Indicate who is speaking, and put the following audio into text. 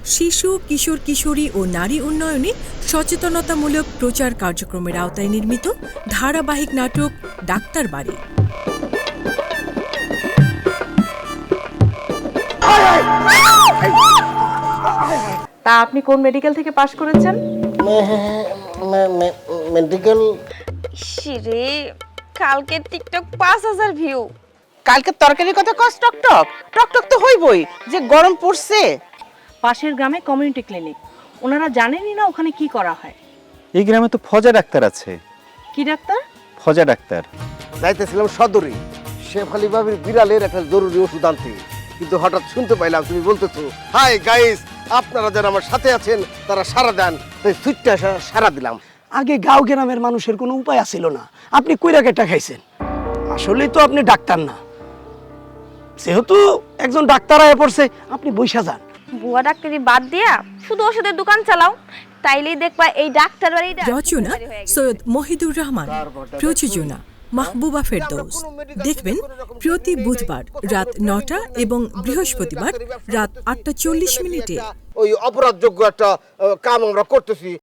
Speaker 1: শিশু, কিশোর কিশোরী ও নারী উন্নয়নে সচেতনতামূলক প্রচার কার্যক্রমের আওতায় নির্মিত ধারাবাহিক নাটক ডাক্তার বাড়ি।
Speaker 2: তা আপনি কোন মেডিকেল থেকে পাশ করেছেন?
Speaker 3: মেডিকেল।
Speaker 4: শিরে কালকে টিকটক 5000 ভিউ।
Speaker 5: কালকে তরকারির কথা কস টকটক টকটক তো হইবই, যে গরম পড়ছে।
Speaker 2: পাশের গ্রামে কমিউনিটি ক্লিনিক, ওনারা জানেনই না ওখানে কি করা হয়।
Speaker 6: এই গ্রামে তো ফজা ডাক্তার আছে।
Speaker 2: কি ডাক্তার?
Speaker 6: ফজা ডাক্তার।
Speaker 3: যাইতেছিলাম সদরে শেফালি বাবির বিড়ালের একটা জরুরি ওষুধ আনতে, কিন্তু হঠাৎ শুনতে পাইলাম তুমি বলতেছো হাই গাইস, আপনারা যারা আমার সাথে আছেন তারা সারা দেন, তাই ছুটতে সারা দিলাম।
Speaker 7: আগে গাঁও গ্রামের মানুষের কোনো উপায় ছিল না, আপনি কইরা কেটা খাইছেন। আসলেই তো আপনি ডাক্তার না, যেহেতু একজন ডাক্তার আয়া পড়ছে আপনি বইসা যান।
Speaker 4: বুয়া ডাক্তারি বাদ দিয়া শুধু ওষুধের দোকান চালাও, তাইলেই দেখবা এই ডাক্তার বাড়িটা
Speaker 1: রচনা সৈয়দ মহিদুর রহমান, প্রযোজনা মাহবুবা ফেরদৌস। দেখবেন প্রতি বুধবার রাত 9টা এবং বৃহস্পতিবার রাত 8টা 40 মিনিটে।
Speaker 3: ওই অপরাধযোগ্য একটা কাম আমরা করতেছি।